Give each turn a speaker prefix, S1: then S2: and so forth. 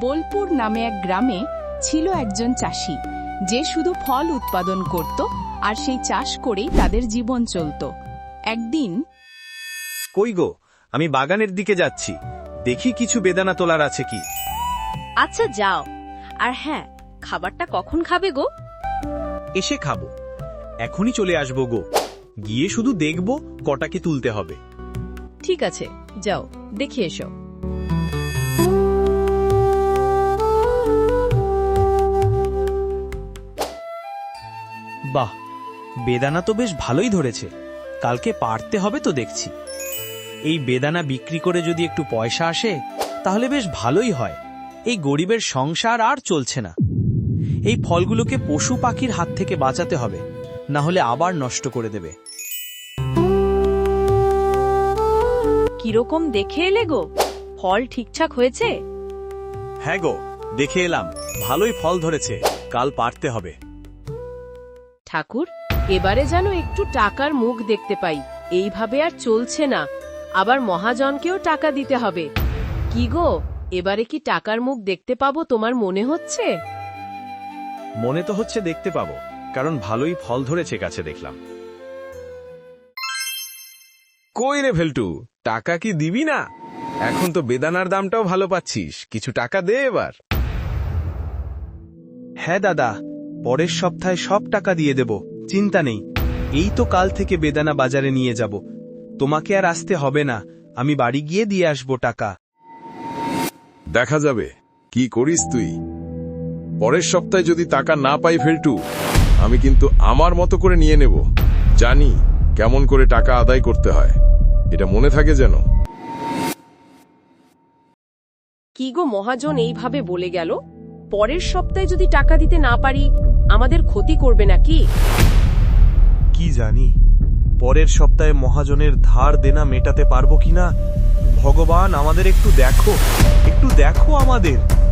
S1: বোলপুর নামে এক গ্রামে ছিল একজন চাষি যে শুধু ফল উৎপাদন করত আর সেই চাষ করেই তাদের জীবন চলত। একদিন,
S2: কই গো, আমি বাগানের দিকে যাচ্ছি, দেখি কিছু বেদানা তোলার আছে কি।
S3: আচ্ছা যাও, আর হ্যাঁ, খাবারটা কখন খাবে গো?
S2: এসে খাবো, এখনই চলে আসবো গো, গিয়ে শুধু দেখব কটাকে তুলতে হবে।
S3: ঠিক আছে, যাও দেখে এসো।
S2: বাহ, বেদানা তো বেশ ভালোই ধরেছে, কালকে পারতে হবে তো দেখছি। এই বেদানা বিক্রি করে যদি একটু পয়সা আসে তাহলে বেশ ভালোই হয়। এই গরিবের সংসার আর চলছে না। এই ফলগুলোকে পশু পাখির হাত থেকে বাঁচাতে হবে, না হলে আবার নষ্ট করে দেবে।
S3: কিরকম দেখে এলে গো? ফল ঠিকঠাক হয়েছে?
S2: হ্যাঁ গো, দেখে এলাম, ভালোই ফল ধরেছে, কাল পারতে হবে।
S4: ঠাকুর, এবারে যেন একটু টাকার মুখ দেখতে পাই। এইভাবে আর চলছে না, আবার মহাজনকেও টাকা দিতে হবে। কি গো, এবারে কি টাকার মুখ দেখতে পাবো তোমার মনে হচ্ছে?
S2: মনে তো হচ্ছে দেখতে পাবো, কারণ ভালোই ফল ধরেছে কাছে দেখলাম।
S5: কই রে ভেলটু, টাকা কি দিবি না? এখন তো বেদানার দামটাও ভালো পাচ্ছিস, কিছু টাকা দে এবার।
S2: হ্যাঁ দাদা, পরের সপ্তাহে সব টাকা দিয়ে দেব, চিন্তা নেই। এই তো কাল থেকে বেদানা বাজারে নিয়ে যাব, তোমাকে আর আসতে হবে না, আমি বাড়ি গিয়ে দিয়ে আসবো টাকা।
S5: দেখা যাবে কি করিস তুই। পরের সপ্তাহে যদি টাকা না পাই ভেলটু, আমি কিন্তু আমার মতো করে নিয়ে নেব। জানি কেমন করে টাকা আদায় করতে হয়, এটা মনে থাকে যেন।
S4: কি গো, মহাজন এইভাবে বলে গেল? পরের সপ্তাহে যদি টাকা দিতে না পারি আমাদের ক্ষতি করবে নাকি?
S2: কি জানি, পরের সপ্তাহে মহাজনের ধার দেনা মেটাতে পারবো কিনা। ভগবান, আমাদের একটু দেখো, একটু দেখো আমাদের।